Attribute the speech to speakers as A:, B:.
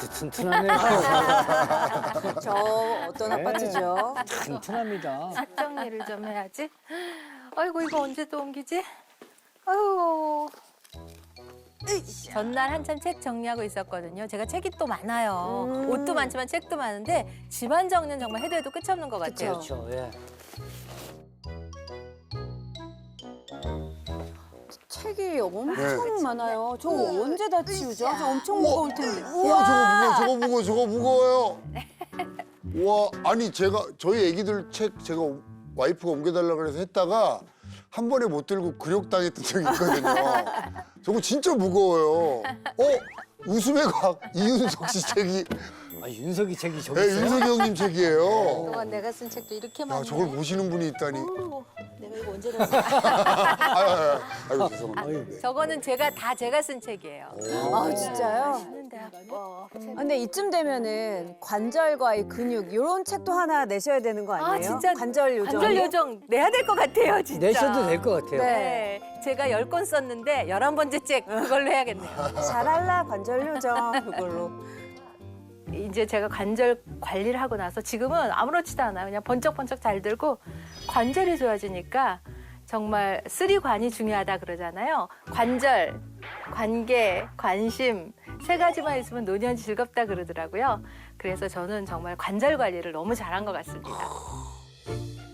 A: 아파트 튼튼하네요.
B: 저 어떤
A: 네.
B: 아파트죠?
A: 튼튼합니다.
C: 책 정리를 좀 해야지. 아이고 이거 언제 또 옮기지? 아이고. 전날 한참 책 정리하고 있었거든요. 제가 책이 또 많아요. 옷도 많지만 책도 많은데 집안 정리는 정말 해도 해도 끝이 없는 것 같아요.
A: 그렇죠. 예.
B: 책이 엄청
D: 네.
B: 많아요. 저거 언제 다 치우죠? 저 엄청 무거울 텐데.
D: 우와, 저거 무거워요. 우와, 아니 저희 애기들 책 제가 와이프가 옮겨달라 그래서 했다가 한 번에 못 들고 근육당했던 적이 있거든요. 저거 진짜 무거워요. 웃음의 과학 이윤석 씨 책이
A: 아, 윤석이 책이 저기
D: 네,
A: 있어요?
D: 윤석이 형님 책이에요.
C: 그동안 내가 쓴 책도 이렇게
D: 야,
C: 많네.
D: 저걸 보시는 분이 있다니.
C: 내가 이거 언제 다
D: 아이고 죄송합니다. 네.
C: 저거는 제가 쓴 책이에요.
B: 아, 진짜요?
C: 쓰는데 아빠.
B: 근데 이쯤 되면은 관절과 이 근육 이런 책도 하나 내셔야 되는 거 아니에요?
C: 아 진짜
B: 관절 요정.
C: 관절 요정 내야 될 것 같아요 진짜.
A: 내셔도 될 것 같아요.
C: 네. 제가 10권 썼는데 11번째 책 그걸로 해야겠네요.
B: 잘할라 관절 요정 그걸로.
C: 이제 제가 관절 관리를 하고 나서 지금은 아무렇지도 않아요. 그냥 번쩍번쩍 잘 들고 관절이 좋아지니까 정말 쓰리관이 중요하다 그러잖아요. 관절, 관계, 관심 세 가지만 있으면 노년이 즐겁다 그러더라고요. 그래서 저는 정말 관절 관리를 너무 잘한 것 같습니다.